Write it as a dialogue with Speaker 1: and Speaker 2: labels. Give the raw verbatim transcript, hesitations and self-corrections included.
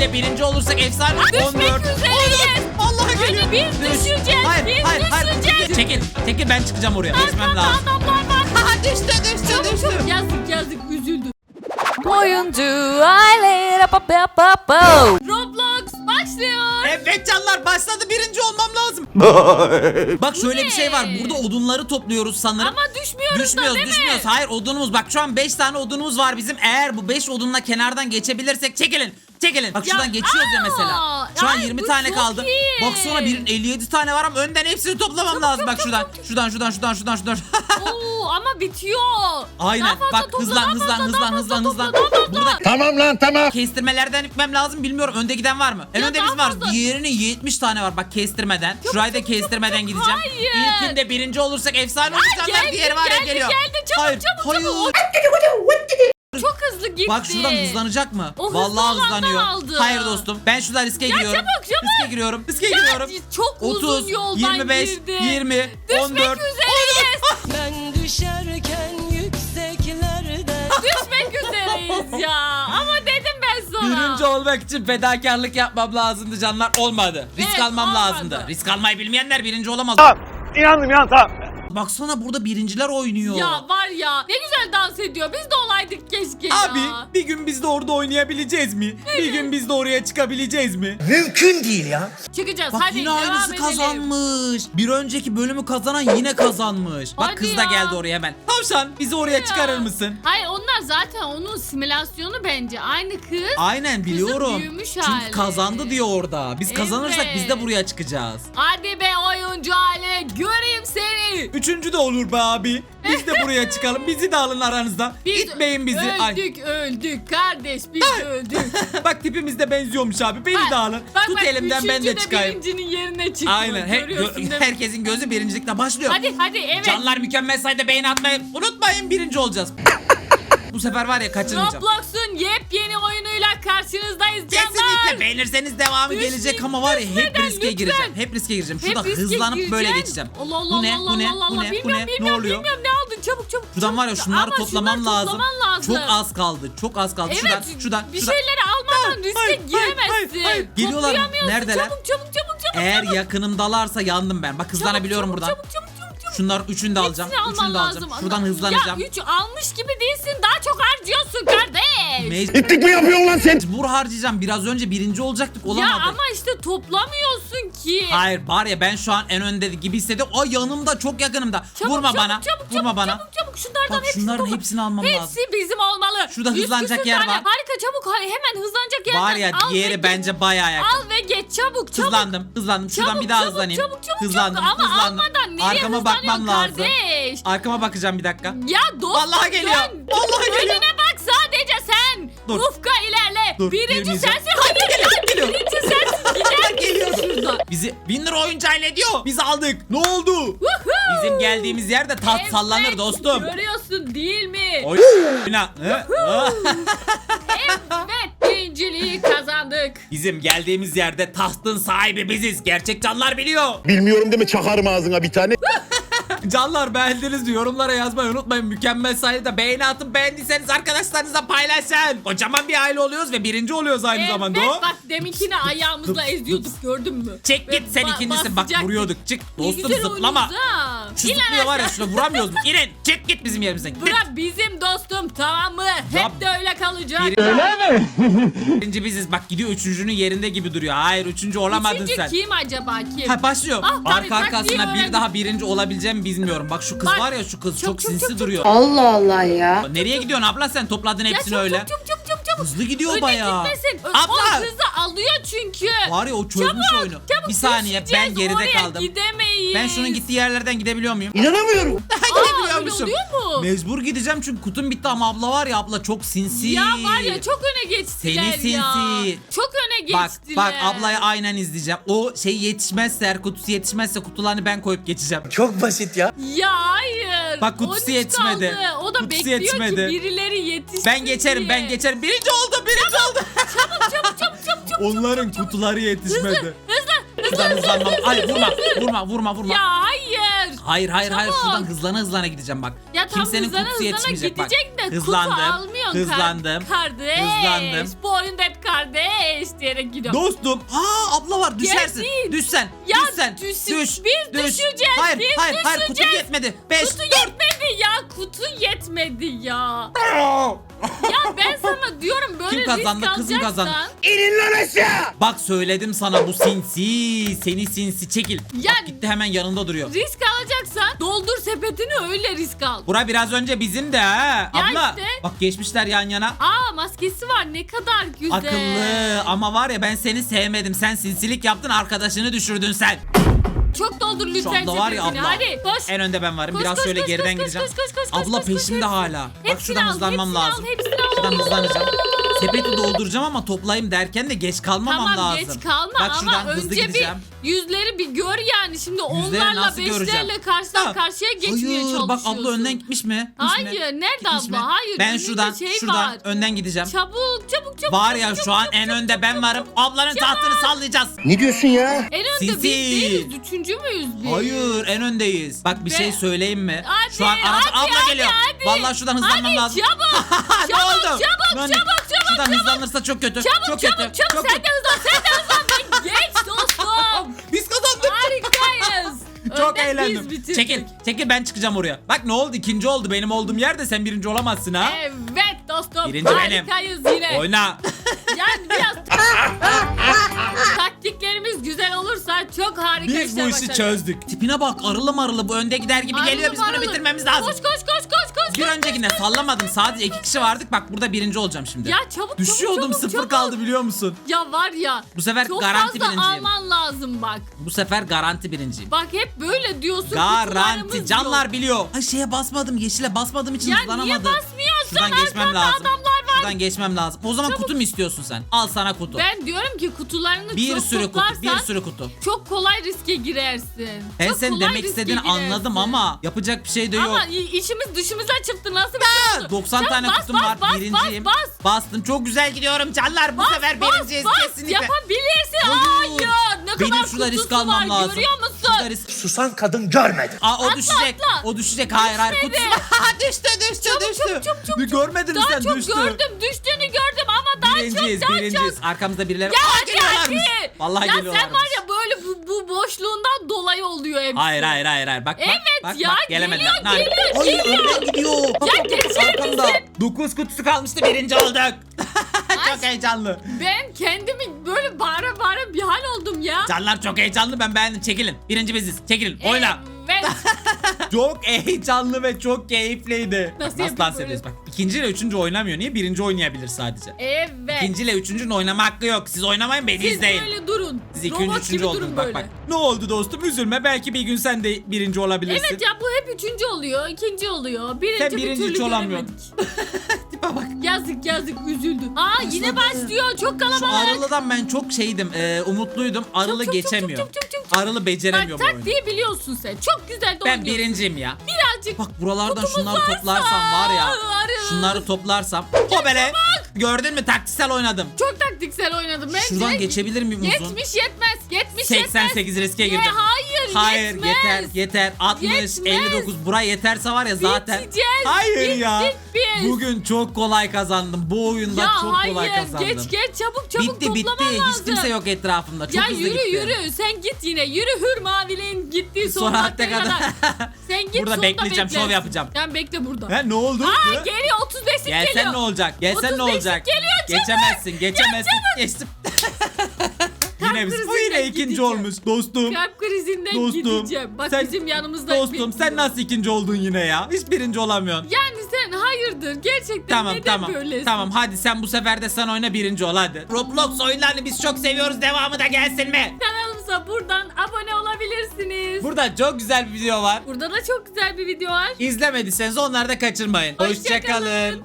Speaker 1: ve birinci olursak efsane.
Speaker 2: Düşmek
Speaker 1: on dört.
Speaker 2: üzereyiz.
Speaker 1: Vallahi geliyor.
Speaker 2: Hadi biz
Speaker 1: Düş.
Speaker 2: düşeceğiz.
Speaker 1: Hayır,
Speaker 2: biz
Speaker 1: hayır, hayır.
Speaker 2: düşeceğiz.
Speaker 1: Çekil, çekil ben çıkacağım oraya. Geçmem lazım.
Speaker 2: Adamlar var.
Speaker 1: Ha düştü, düştü,
Speaker 2: Çabuk
Speaker 1: düştü.
Speaker 2: çabuk. Yazık yazık üzüldüm.
Speaker 3: Oyuncu aile pa pa pa pa.
Speaker 2: Roblox başlıyor.
Speaker 1: Evet canlar başladı, birinci olmam lazım. Bak şöyle bir şey var, burada odunları topluyoruz sanırım.
Speaker 2: Ama düşmüyoruz
Speaker 1: Düşmüyoruz
Speaker 2: da değil
Speaker 1: düşmüyoruz.
Speaker 2: mi?
Speaker 1: Hayır odunumuz bak şu an beş tane odunumuz var bizim. Eğer bu beş odunla kenardan geçebilirsek çekilin. Çekilin. Bak
Speaker 2: Ya,
Speaker 1: şuradan geçiyoruz ya
Speaker 2: aa,
Speaker 1: mesela. Şu an
Speaker 2: ay,
Speaker 1: yirmi
Speaker 2: bu
Speaker 1: tane
Speaker 2: çok
Speaker 1: kaldı.
Speaker 2: iyi.
Speaker 1: Baksana birinin elli yedi tane var ama önden hepsini toplamam lazım. Bak şuradan. Şuradan şuradan şuradan şuradan şuradan.
Speaker 2: Oo, ama bitiyor.
Speaker 1: Aynen.
Speaker 2: Daha fazla
Speaker 1: Bak
Speaker 2: topla,
Speaker 1: hızlan
Speaker 2: daha
Speaker 1: hızlan
Speaker 2: fazla,
Speaker 1: hızlan
Speaker 2: daha
Speaker 1: hızlan
Speaker 2: fazla
Speaker 1: hızlan.
Speaker 2: topla, daha fazla.
Speaker 1: Burada
Speaker 4: Tamam lan tamam.
Speaker 1: kestirmelerden gitmem lazım. Bilmiyorum önde giden var mı? En
Speaker 2: Ya
Speaker 1: önde
Speaker 2: daha
Speaker 1: biz varız.
Speaker 2: fazla.
Speaker 1: Diğerinin yetmiş tane var. Bak kestirmeden. Şurayı da kestirmeden gideceğim.
Speaker 2: Hayır.
Speaker 1: İlkinde birinci olursak efsane olacaklar.
Speaker 2: geldi,
Speaker 1: Diğeri var ya
Speaker 2: geldi,
Speaker 1: geliyor.
Speaker 2: geldi. Çabuk,
Speaker 1: Hayır,
Speaker 2: çabuk,
Speaker 1: hayır.
Speaker 2: çabuk. Çok hızlı gitti.
Speaker 1: Bak şuradan hızlanacak mı?
Speaker 2: O hızlı
Speaker 1: Vallahi
Speaker 2: olandan
Speaker 1: hızlanıyor.
Speaker 2: aldı.
Speaker 1: Hayır dostum. Ben şuradan riske
Speaker 2: Ya
Speaker 1: giriyorum.
Speaker 2: çabuk, çabuk.
Speaker 1: Riske giriyorum. Riske
Speaker 2: Ya,
Speaker 1: giriyorum.
Speaker 2: çok uzun
Speaker 1: otuz,
Speaker 2: yoldan
Speaker 1: yirmi beş,
Speaker 2: girdi.
Speaker 1: yirmi,
Speaker 2: Düşmek
Speaker 1: on dört.
Speaker 2: üzereyiz.
Speaker 5: Ben düşerken yükseklerden
Speaker 2: Düşmek üzereyiz ya. Ama dedim ben sana.
Speaker 1: Birinci olmak için fedakarlık yapmam lazımdı canlar. Olmadı. Risk
Speaker 2: Evet,
Speaker 1: almam
Speaker 2: olmadı.
Speaker 1: lazımdı. Risk almayı bilmeyenler birinci olamaz.
Speaker 4: İnandım ya tamam.
Speaker 1: Baksana burada birinciler oynuyor.
Speaker 2: Ya var ya ne güzel dans ediyor. Biz de olaydık keşke
Speaker 1: Abi
Speaker 2: ya.
Speaker 1: bir gün biz de orada oynayabileceğiz mi? Bir gün biz de oraya çıkabileceğiz mi?
Speaker 4: Mümkün değil ya.
Speaker 2: Çıkacağız
Speaker 1: Bak
Speaker 2: hadi
Speaker 1: yine
Speaker 2: devam
Speaker 1: aynısı
Speaker 2: edelim.
Speaker 1: kazanmış. Bir önceki bölümü kazanan yine kazanmış. Bak
Speaker 2: Hadi
Speaker 1: kız da
Speaker 2: ya.
Speaker 1: geldi oraya hemen. Tavşan bizi oraya
Speaker 2: Ya.
Speaker 1: çıkarır mısın?
Speaker 2: Hayır onlar zaten onun simülasyonu bence. Aynı kız.
Speaker 1: Aynen biliyorum.
Speaker 2: büyümüş
Speaker 1: Çünkü
Speaker 2: hali.
Speaker 1: kazandı diyor orada. Biz kazanırsak biz de
Speaker 2: Evet.
Speaker 1: buraya çıkacağız.
Speaker 2: Hadi be oyuncu hale göreyim seni.
Speaker 1: Üçüncü de olur be abi. Biz de buraya çıkalım. Bizi de alın aranızda. İtmeyin bizi. Ay.
Speaker 2: Öldük öldük kardeş biz öldük.
Speaker 1: Bak tipimiz de benziyormuş abi. Beni
Speaker 2: Bak,
Speaker 1: de alın.
Speaker 2: Bak,
Speaker 1: Tut
Speaker 2: bak,
Speaker 1: elimden ben de
Speaker 2: üçüncü
Speaker 1: çıkayım.
Speaker 2: birincinin yerine çıktı.
Speaker 1: Aynen. He-
Speaker 2: Görüyorsun
Speaker 1: gö-
Speaker 2: değil mi?
Speaker 1: herkesin gözü birincilikle başlıyor.
Speaker 2: Hadi hadi evet.
Speaker 1: Canlar mükemmel sayıda beğeni atmayı unutmayın, birinci olacağız. Bu sefer var ya kaçırmayacağım.
Speaker 2: Roblox'un yepyeni oyunuyla karşınızdayız canlar.
Speaker 1: Kesinlikle beğenirseniz devamı
Speaker 2: Düşmeyin,
Speaker 1: gelecek ama var ya hep
Speaker 2: düşmeden
Speaker 1: riske
Speaker 2: lütfen.
Speaker 1: gireceğim. Hep riske gireceğim.
Speaker 2: Hep
Speaker 1: Şurada
Speaker 2: riske
Speaker 1: hızlanıp böyle
Speaker 2: gireceksin.
Speaker 1: geçeceğim.
Speaker 2: Allah Allah
Speaker 1: Bu ne?
Speaker 2: Allah
Speaker 1: Bu ne?
Speaker 2: Allah
Speaker 1: Bu
Speaker 2: Allah.
Speaker 1: ne? Bu
Speaker 2: Bilmiyorum,
Speaker 1: ne? Ne
Speaker 2: bilmiyorum,
Speaker 1: oluyor?
Speaker 2: bilmiyorum ne aldın çabuk çabuk.
Speaker 1: Şuradan
Speaker 2: çabuk.
Speaker 1: var ya şunları
Speaker 2: Ama
Speaker 1: toplamam
Speaker 2: şunları
Speaker 1: lazım.
Speaker 2: toplaman lazım.
Speaker 1: Çok az kaldı. Çok az kaldı.
Speaker 2: Evet
Speaker 1: şuradan, şuradan,
Speaker 2: bir
Speaker 1: şuradan.
Speaker 2: şeyleri almadan riske
Speaker 1: hayır, hayır,
Speaker 2: giremezsin.
Speaker 1: hayır. Geliyorlar mı?
Speaker 2: Toplayamıyorsun.
Speaker 1: Neredeler?
Speaker 2: Çabuk çabuk çabuk çabuk.
Speaker 1: Eğer
Speaker 2: çabuk.
Speaker 1: yakınımdalarsa yandım ben. Bak hızlanabiliyorum
Speaker 2: Çabuk,
Speaker 1: buradan.
Speaker 2: Çabuk çabuk çabuk çabuk.
Speaker 1: Şunlar üçünü de alacağım.
Speaker 2: Hepsini
Speaker 1: Üçünü
Speaker 2: alman
Speaker 1: de alacağım.
Speaker 2: lazım.
Speaker 1: Şuradan hızlanacağım.
Speaker 2: Ya üç almış gibi değilsin. Daha çok harcıyorsun kardeş.
Speaker 1: Mecbur
Speaker 4: İttik mi yapıyorsun lan sen?
Speaker 1: harcayacağım. Biraz önce birinci olacaktık. Olamadık.
Speaker 2: Ya ama işte toplamıyorsun ki.
Speaker 1: Hayır var ya ben şu an en önde gibi hissediyorum. Ay yanımda, çok yakınımda.
Speaker 2: Çabuk,
Speaker 1: Vurma
Speaker 2: çabuk,
Speaker 1: bana.
Speaker 2: Çabuk,
Speaker 1: Vurma
Speaker 2: çabuk,
Speaker 1: bana.
Speaker 2: Çabuk çabuk şunlardan
Speaker 1: Bak
Speaker 2: hepsini
Speaker 1: şunların
Speaker 2: topla.
Speaker 1: hepsini almam
Speaker 2: Hepsi
Speaker 1: lazım.
Speaker 2: bizim olmalı.
Speaker 1: Şurada
Speaker 2: Yüz
Speaker 1: hızlanacak
Speaker 2: küsür
Speaker 1: yer
Speaker 2: tane.
Speaker 1: var.
Speaker 2: Harika çabuk hay- hemen hızlanacak yerden.
Speaker 1: Var ya
Speaker 2: al ve
Speaker 1: diğeri
Speaker 2: geç.
Speaker 1: bence bayağı yakın.
Speaker 2: Al ve geç çabuk çabuk.
Speaker 1: Hızlandım, hızlandım. Şuradan
Speaker 2: Çabuk,
Speaker 1: bir daha
Speaker 2: çabuk,
Speaker 1: hızlanayım.
Speaker 2: Çabuk çabuk
Speaker 1: hızlandım,
Speaker 2: çabuk. Ama
Speaker 1: hızlandım.
Speaker 2: almadan nereye
Speaker 1: Arkama bakmam
Speaker 2: hızlanıyorsun
Speaker 1: lazım.
Speaker 2: kardeş?
Speaker 1: Arkama bakacağım bir dakika.
Speaker 2: Ya dostum
Speaker 1: Vallahi geliyor.
Speaker 2: dön.
Speaker 1: Vallahi geliyor.
Speaker 2: Önüne bak sadece sen.
Speaker 1: Dur.
Speaker 2: Ufka ilerle.
Speaker 1: Dur,
Speaker 2: Birinci
Speaker 1: girmeyeceğim.
Speaker 2: sensin. Hayır
Speaker 1: Geliyor,
Speaker 2: ya.
Speaker 1: geliyor.
Speaker 2: Birinci sensin. Gider misin şuradan?
Speaker 1: Bizi bin lira oyuncu ediyor. Biz aldık. Ne oldu?
Speaker 2: Woohoo.
Speaker 1: Bizim geldiğimiz yerde taht
Speaker 2: Evet,
Speaker 1: sallanır dostum.
Speaker 2: Görüyorsun değil mi?
Speaker 1: Oy. Bina. Hı?
Speaker 2: Evet birinciliği kazandık.
Speaker 1: Bizim geldiğimiz yerde tahtın sahibi biziz. Gerçek canlar biliyor.
Speaker 4: Bilmiyorum deme çakarım ağzına bir tane.
Speaker 1: Canlar beğendiniz mi? Yorumlara yazmayı unutmayın. Mükemmel sayıda beğeni atın. Beğendiyseniz arkadaşlarınızla paylaşın. Kocaman bir aile oluyoruz ve birinci oluyoruz aynı
Speaker 2: Evet
Speaker 1: zamanda o.
Speaker 2: bak deminkini ayağımızla eziyorduk gördün mü?
Speaker 1: Çek
Speaker 2: Ve
Speaker 1: git sen
Speaker 2: ba-
Speaker 1: ikincisin. Bak
Speaker 2: basacaktık.
Speaker 1: vuruyorduk. Çık
Speaker 2: Ne
Speaker 1: dostum
Speaker 2: güzel
Speaker 1: zıplama.
Speaker 2: oynuyoruz ha.
Speaker 1: Şu
Speaker 2: İn lan
Speaker 1: zıplıyor var ya
Speaker 2: aşağı.
Speaker 1: şuna vuramıyoruz mu? İren çık git bizim yerimizden. Git.
Speaker 2: Bura bizim dostum tamam mı? Hep de öyle kalacak.
Speaker 1: Bir- Birinci biziz. Bak gidiyor üçüncünün yerinde gibi duruyor. Hayır üçüncü olamadın
Speaker 2: Üçüncü
Speaker 1: sen.
Speaker 2: kim acaba kim?
Speaker 1: Ha başlıyor.
Speaker 2: Ah, tabii,
Speaker 1: Arka
Speaker 2: taktiği
Speaker 1: arkasına bir
Speaker 2: öğrendim.
Speaker 1: daha birinci olabileceğimi bilmiyorum. Bak şu kız
Speaker 2: Bak,
Speaker 1: var ya şu kız çok,
Speaker 2: çok, çok,
Speaker 1: sinsi
Speaker 2: çok,
Speaker 1: duruyor.
Speaker 3: Allah Allah ya.
Speaker 1: Nereye gidiyorsun abla sen topladın
Speaker 2: Ya
Speaker 1: hepsini
Speaker 2: çabuk,
Speaker 1: öyle.
Speaker 2: Çabuk çabuk çabuk çabuk.
Speaker 1: Hızlı gidiyor
Speaker 2: Öne
Speaker 1: bayağı.
Speaker 2: gitmesin. Ö-
Speaker 1: Abla.
Speaker 2: O hızlı alıyor çünkü.
Speaker 1: Var ya o çözmüş
Speaker 2: Çabuk,
Speaker 1: oyunu.
Speaker 2: çabuk
Speaker 1: Bir saniye ben
Speaker 2: düşeceğiz,
Speaker 1: geride
Speaker 2: oraya
Speaker 1: kaldım.
Speaker 2: Gidemeyiz.
Speaker 1: Ben şunun gittiği yerlerden gidebiliyor muyum?
Speaker 4: İnanamıyorum.
Speaker 2: Aa, öyle
Speaker 1: Gidebiliyormuşum.
Speaker 2: oluyor mu?
Speaker 1: Mecbur gideceğim çünkü kutum bitti ama abla var ya abla çok sinsi.
Speaker 2: Ya var ya çok öne geçtiler
Speaker 1: Seni
Speaker 2: ya.
Speaker 1: sinsi.
Speaker 2: Çok öne
Speaker 1: Bak
Speaker 2: geçtiler.
Speaker 1: bak ablaya aynen izleyeceğim. O şey yetişmezse eğer kutusu yetişmezse kutularını ben koyup geçeceğim.
Speaker 4: Çok basit ya.
Speaker 2: Ya hayır.
Speaker 1: Bak kutusu
Speaker 2: on üç
Speaker 1: yetişmedi.
Speaker 2: kaldı. O da
Speaker 1: Kutusu
Speaker 2: bekliyor
Speaker 1: yetişmedi.
Speaker 2: ki birileri yetişsin
Speaker 1: Ben geçerim ben
Speaker 2: diye.
Speaker 1: geçerim. Birinci oldu birinci oldu.
Speaker 2: Çabuk çabuk çabuk çabuk çabuk.
Speaker 1: Onların kutuları yetişmedi.
Speaker 2: Hızlı
Speaker 1: Şuradan hızlanmam. Hayır vurma vurma vurma vurma.
Speaker 2: Ya hayır.
Speaker 1: Hayır hayır hayır
Speaker 2: Çabuk.
Speaker 1: şuradan hızlana hızlana gideceğim bak.
Speaker 2: Ya tam
Speaker 1: Kimsenin
Speaker 2: hızlana
Speaker 1: kutusu
Speaker 2: hızlana
Speaker 1: yetişmeyecek bak.
Speaker 2: gidecek de
Speaker 1: Hızlandım.
Speaker 2: kutu almıyorsun
Speaker 1: Hızlandım.
Speaker 2: kar- kardeş.
Speaker 1: Hızlandım.
Speaker 2: Bu oyunda hep kardeş bekleyerek gidiyorum.
Speaker 1: Dostum. Aa abla var düşersin.
Speaker 2: Gelsin.
Speaker 1: Düşsen.
Speaker 2: Ya
Speaker 1: düşsen.
Speaker 2: düşün-
Speaker 1: Düş.
Speaker 2: biz
Speaker 1: düş.
Speaker 2: düşeceğiz,
Speaker 1: Hayır
Speaker 2: biz
Speaker 1: hayır hayır kutu
Speaker 2: düşeceğiz.
Speaker 1: yetmedi. beş
Speaker 2: Kutu
Speaker 1: dört.
Speaker 2: yetmedi ya. Kutu yetmedi ya. Ya ben sana diyorum böyle
Speaker 1: Kim kazandı?
Speaker 2: risk
Speaker 1: Kız mı kazandı?
Speaker 2: alacaksan.
Speaker 4: İnin lan aşağı.
Speaker 1: Bak söyledim sana bu sinsi. Seni sinsi çekil.
Speaker 2: Ya-
Speaker 1: Bak gitti hemen yanında duruyor.
Speaker 2: Risk alacaksan doldur sepetini öyle risk al.
Speaker 1: Bura biraz önce bizim de ha.
Speaker 2: Ya
Speaker 1: Abla
Speaker 2: işte.
Speaker 1: bak geçmişler yan yana.
Speaker 2: Aa maskesi var ne kadar güzel.
Speaker 1: Akıllı ama var ya ben seni sevmedim. Sen sinsilik yaptın arkadaşını düşürdün sen.
Speaker 2: Çok doldur
Speaker 1: Şu
Speaker 2: lütfen
Speaker 1: anda var ya
Speaker 2: sepetini.
Speaker 1: abla.
Speaker 2: Hadi koş.
Speaker 1: En önde ben varım.
Speaker 2: Koş,
Speaker 1: Biraz
Speaker 2: koş,
Speaker 1: şöyle
Speaker 2: koş,
Speaker 1: geriden
Speaker 2: koş,
Speaker 1: gideceğim.
Speaker 2: koş, koş, koş, koş,
Speaker 1: Abla
Speaker 2: koş, koş,
Speaker 1: peşimde
Speaker 2: hepsini-
Speaker 1: hala. Bak
Speaker 2: hepsini
Speaker 1: şuradan
Speaker 2: al,
Speaker 1: hızlanmam
Speaker 2: hepsini al,
Speaker 1: lazım.
Speaker 2: hepsini al.
Speaker 1: Şuradan hızlanacağım. Sepeti dolduracağım ama toplayayım derken de geç kalmamam
Speaker 2: Tamam
Speaker 1: lazım.
Speaker 2: geç kalma
Speaker 1: Bak şuradan
Speaker 2: ama
Speaker 1: hızlı
Speaker 2: önce
Speaker 1: gideceğim.
Speaker 2: bir yüzleri bir gör yani. Şimdi
Speaker 1: Yüzleri
Speaker 2: onlarla
Speaker 1: nasıl göreceğim?
Speaker 2: beşlerle karşıdan
Speaker 1: Ha,
Speaker 2: karşıya geçmeye
Speaker 1: Hayır
Speaker 2: çalışıyorsun.
Speaker 1: bak abla önden gitmiş mi? Gitmiş
Speaker 2: Hayır,
Speaker 1: mi?
Speaker 2: nerede
Speaker 1: Gitmiş
Speaker 2: abla?
Speaker 1: mi?
Speaker 2: Hayır,
Speaker 1: Ben
Speaker 2: önünde
Speaker 1: şuradan
Speaker 2: şey
Speaker 1: şuradan
Speaker 2: var.
Speaker 1: önden gideceğim.
Speaker 2: Çabuk çabuk çabuk.
Speaker 1: Var
Speaker 2: çabuk,
Speaker 1: ya
Speaker 2: çabuk,
Speaker 1: şu an
Speaker 2: çabuk,
Speaker 1: en
Speaker 2: çabuk,
Speaker 1: önde ben
Speaker 2: çabuk,
Speaker 1: varım.
Speaker 2: çabuk.
Speaker 1: Ablanın tahtını sallayacağız.
Speaker 4: Ne diyorsun ya?
Speaker 2: En önde
Speaker 1: Sinsi.
Speaker 2: biz değiliz. Üçüncü müyüz biz?
Speaker 1: Hayır en öndeyiz. Bak bir
Speaker 2: Ve-
Speaker 1: şey söyleyeyim mi?
Speaker 2: Hadi,
Speaker 1: Şu an aracı
Speaker 2: hadi,
Speaker 1: abla
Speaker 2: hadi,
Speaker 1: geliyor.
Speaker 2: hadi.
Speaker 1: Vallahi şuradan hızlanmam
Speaker 2: Hadi,
Speaker 1: lazım.
Speaker 2: çabuk.
Speaker 1: ne
Speaker 2: Çabuk,
Speaker 1: oldu?
Speaker 2: çabuk,
Speaker 1: Lan-
Speaker 2: çabuk, çabuk,
Speaker 1: Şuradan
Speaker 2: çabuk.
Speaker 1: hızlanırsa çok kötü.
Speaker 2: Çabuk
Speaker 1: çok
Speaker 2: çabuk
Speaker 1: kötü.
Speaker 2: çabuk.
Speaker 1: çok
Speaker 2: Sen
Speaker 1: kötü.
Speaker 2: de hızlan sen de hızlan. Geç dostum.
Speaker 1: Biz kazandık.
Speaker 2: Harikayız.
Speaker 1: Çok
Speaker 2: Önden
Speaker 1: eğlendim.
Speaker 2: biz bitirdik.
Speaker 1: Çekil. Çekil ben çıkacağım oraya. Bak ne oldu? İkinci oldu. Benim olduğum yerde sen birinci olamazsın ha.
Speaker 2: Evet dostum.
Speaker 1: Birinci benim.
Speaker 2: Harikayız yine.
Speaker 1: Oyna.
Speaker 2: Yani biraz taktiklerimiz güzel olursa çok harika
Speaker 1: Biz bu
Speaker 2: işler
Speaker 1: işi
Speaker 2: başarırız.
Speaker 1: çözdük. Tipine bak arılı marılı bu önde gider gibi
Speaker 2: Arılı
Speaker 1: geliyor. Biz bunu
Speaker 2: marılı.
Speaker 1: bitirmemiz lazım.
Speaker 2: Koş koş koş koş koş.
Speaker 1: Bir öncekine sallamadım. Sadece iki kişi vardık. Bak burada birinci olacağım şimdi.
Speaker 2: Ya çabuk
Speaker 1: Düşüyordum
Speaker 2: çabuk çabuk,
Speaker 1: sıfır
Speaker 2: çabuk.
Speaker 1: kaldı biliyor musun?
Speaker 2: Ya var ya.
Speaker 1: Bu sefer
Speaker 2: Çok
Speaker 1: garanti
Speaker 2: fazla
Speaker 1: birinciyim.
Speaker 2: alman lazım bak.
Speaker 1: Bu sefer garanti birinciyim.
Speaker 2: Bak hep böyle diyorsun.
Speaker 1: Garanti.
Speaker 2: kutularımız
Speaker 1: Canlar
Speaker 2: yok.
Speaker 1: biliyor. Ay şeye basmadım. Yeşile basmadığım için
Speaker 2: Ya
Speaker 1: hızlanamadım.
Speaker 2: niye basmıyorsun?
Speaker 1: Şuradan geçmem
Speaker 2: Arkanda
Speaker 1: lazım.
Speaker 2: adamlar var.
Speaker 1: Şuradan geçmem lazım. O zaman kutu mu istiyorsun sen? Al sana kutu.
Speaker 2: Ben diyorum ki kutularını
Speaker 1: bir
Speaker 2: çok
Speaker 1: sürü kutu.
Speaker 2: toplarsan
Speaker 1: Bir sürü kutu.
Speaker 2: çok kolay riske girersin.
Speaker 1: Ben
Speaker 2: Çok
Speaker 1: senin
Speaker 2: kolay
Speaker 1: demek
Speaker 2: riske
Speaker 1: istediğini
Speaker 2: girersin.
Speaker 1: anladım ama yapacak bir şey de yok.
Speaker 2: Ama i- içimiz dışımıza çıktı nasıl biliyorsun?
Speaker 1: doksan
Speaker 2: Sen
Speaker 1: tane
Speaker 2: bas,
Speaker 1: kutum
Speaker 2: bas,
Speaker 1: var.
Speaker 2: bas,
Speaker 1: Birinciyim.
Speaker 2: Bas bas.
Speaker 1: Bastım. Çok güzel gidiyorum canlar. Bu
Speaker 2: Bas,
Speaker 1: sefer
Speaker 2: bas,
Speaker 1: birinciyiz
Speaker 2: bas.
Speaker 1: kesinlikle.
Speaker 2: Yapabilirsin.
Speaker 1: Hayır.
Speaker 2: Hayır. Ne
Speaker 1: Benim
Speaker 2: kadar
Speaker 1: şurada risk
Speaker 2: kutusu
Speaker 1: almam
Speaker 2: var,
Speaker 1: lazım.
Speaker 2: görüyor musun?
Speaker 1: Şurada risk.
Speaker 4: Susan kadın görmedi.
Speaker 1: Aa o düşecek.
Speaker 2: atla.
Speaker 1: O düşecek. Hayır hayır
Speaker 2: Düşmedi.
Speaker 1: kutusu. düştü düştü
Speaker 2: Çabuk,
Speaker 1: düştü.
Speaker 2: çabuk, çabuk, çabuk,
Speaker 1: Bir Görmedin mi
Speaker 2: Daha
Speaker 1: sen
Speaker 2: çok
Speaker 1: düştü.
Speaker 2: gördüm. Düştüğünü gördüm ama daha
Speaker 1: Birinciyiz
Speaker 2: çok daha
Speaker 1: birinciyiz.
Speaker 2: çok.
Speaker 1: Arkamızda birileri.
Speaker 2: Ya
Speaker 1: Aa,
Speaker 2: hadi
Speaker 1: geliyorlarmış.
Speaker 2: hadi.
Speaker 1: Vallahi
Speaker 2: ya
Speaker 1: geliyorlarmış.
Speaker 2: sen var ya böyle bu, bu boşluğundan dolayı oluyor hepsi.
Speaker 1: Hayır hayır hayır hayır. Bak bak.
Speaker 2: Evet
Speaker 1: bak,
Speaker 2: ya,
Speaker 1: bak,
Speaker 2: geliyor,
Speaker 1: gelemediler. Hayır.
Speaker 2: geliyor,
Speaker 1: Ay
Speaker 2: geliyor.
Speaker 1: önden gidiyor. Bak,
Speaker 2: Ya
Speaker 1: bak, bak,
Speaker 2: geçer
Speaker 1: arkamda.
Speaker 2: misin?
Speaker 1: Dokuz kutusu kalmıştı birinci olduk. Çok heyecanlı.
Speaker 2: Ben kendimi böyle bağıra bağıra bir hal oldum ya.
Speaker 1: Canlar çok heyecanlı ben beğendim. Çekilin. Birinci biziz. Çekilin. Oyna.
Speaker 2: Evet.
Speaker 1: Çok heyecanlı ve çok keyifliydi.
Speaker 2: Nasıl
Speaker 1: Nasıl
Speaker 2: yapayım
Speaker 1: dans
Speaker 2: böyle?
Speaker 1: ediyoruz bak. İkinci ile üçüncü oynamıyor. Niye? Birinci oynayabilir sadece.
Speaker 2: Evet.
Speaker 1: İkinci ile üçüncünün oynama hakkı yok. Siz oynamayın beni
Speaker 2: Siz
Speaker 1: izleyin.
Speaker 2: böyle durun.
Speaker 1: Siz ikinci,
Speaker 2: Robot
Speaker 1: üçüncü
Speaker 2: gibi
Speaker 1: oldunuz
Speaker 2: durun
Speaker 1: bak
Speaker 2: böyle.
Speaker 1: bak. Ne oldu dostum üzülme. Belki bir gün sen de birinci olabilirsin.
Speaker 2: Evet ya bu hep üçüncü oluyor, ikinci oluyor. Birinci
Speaker 1: Sen
Speaker 2: bir
Speaker 1: birinci
Speaker 2: türlü
Speaker 1: hiç olamıyorsun.
Speaker 2: göremedik.
Speaker 1: Tipe bak.
Speaker 2: Yazık yazık üzüldü. Aa yine başlıyor. Çok
Speaker 1: Şu
Speaker 2: kalabalık.
Speaker 1: arılıdan ben çok şeydim. E, umutluydum. Arılı
Speaker 2: çok, çok,
Speaker 1: geçemiyor.
Speaker 2: çok, çok, çok, çok, çok.
Speaker 1: Arılı beceremiyor
Speaker 2: Bak
Speaker 1: bu oyunu.
Speaker 2: taktiği biliyorsun sen. Çok güzel de
Speaker 1: Ben
Speaker 2: oynuyorsun.
Speaker 1: birinciyim ya.
Speaker 2: Birazcık.
Speaker 1: Bak buralardan
Speaker 2: Kutumuz
Speaker 1: şunları
Speaker 2: varsa
Speaker 1: toplarsam var ya.
Speaker 2: arı.
Speaker 1: Şunları toplarsam. O bele. Gördün mü taktiksel oynadım.
Speaker 2: Çok taktiksel oynadım. Bence
Speaker 1: Şuradan geçebilir miyim uzun?
Speaker 2: yetmiş yetmez. yetmiş
Speaker 1: seksen sekiz
Speaker 2: yetmez.
Speaker 1: riske
Speaker 2: Ye,
Speaker 1: girdim.
Speaker 2: hayır,
Speaker 1: Hayır
Speaker 2: yetmez.
Speaker 1: yeter yeter. altmış
Speaker 2: Yetmez.
Speaker 1: elli dokuz bura yeterse var ya zaten.
Speaker 2: Biteceğiz,
Speaker 1: Hayır ya.
Speaker 2: bittik biz.
Speaker 1: Bugün çok kolay kazandım. Bu oyunda
Speaker 2: Ya
Speaker 1: çok
Speaker 2: hayır
Speaker 1: kolay kazandım.
Speaker 2: geç geç çabuk çabuk
Speaker 1: bitti bitti.
Speaker 2: toplaman lazım.
Speaker 1: Hiç kimse yok etrafımda. Çok
Speaker 2: Ya
Speaker 1: hızlı
Speaker 2: yürü
Speaker 1: gitti.
Speaker 2: yürü sen git yine yürü hür maviliğin gittiği son,
Speaker 1: Son
Speaker 2: noktaya
Speaker 1: hatta
Speaker 2: kadar.
Speaker 1: kadar.
Speaker 2: Sen git
Speaker 1: Burada
Speaker 2: sonda
Speaker 1: bekleyeceğim, şov
Speaker 2: beklersin.
Speaker 1: yapacağım.
Speaker 2: Sen bekle burada.
Speaker 1: He ne oldu?
Speaker 2: Aa
Speaker 1: Ne?
Speaker 2: geliyor otuz beşlik geliyor.
Speaker 1: Gelsen ne olacak? Gelsen ne
Speaker 2: otuz beşlik
Speaker 1: olacak?
Speaker 2: geliyor, çabuk.
Speaker 1: Geçemezsin, geçemezsin. Geçtim. Yine biz. Bu yine
Speaker 2: krizinden
Speaker 1: ikinci
Speaker 2: gideceğim.
Speaker 1: olmuş dostum.
Speaker 2: Kalp krizinden
Speaker 1: Dostum.
Speaker 2: gideceğim. Bak
Speaker 1: sen-
Speaker 2: bizim yanımızda.
Speaker 1: Dostum
Speaker 2: bir-
Speaker 1: sen nasıl ikinci oldun yine ya? Hiç birinci olamıyorsun.
Speaker 2: Yani sen hayırdır gerçekten
Speaker 1: Tamam
Speaker 2: neden
Speaker 1: tamam.
Speaker 2: böylesin?
Speaker 1: Tamam hadi sen bu sefer de sen oyna birinci ol hadi. Roblox oyunlarını biz çok seviyoruz. Devamı da gelsin mi?
Speaker 2: Kanalımıza buradan abone olabilirsiniz.
Speaker 1: Burada çok güzel bir video var.
Speaker 2: Burada da çok güzel bir video var.
Speaker 1: İzlemediyseniz onları da kaçırmayın.
Speaker 2: Hoşça
Speaker 1: Hoşçakalın.
Speaker 2: kalın.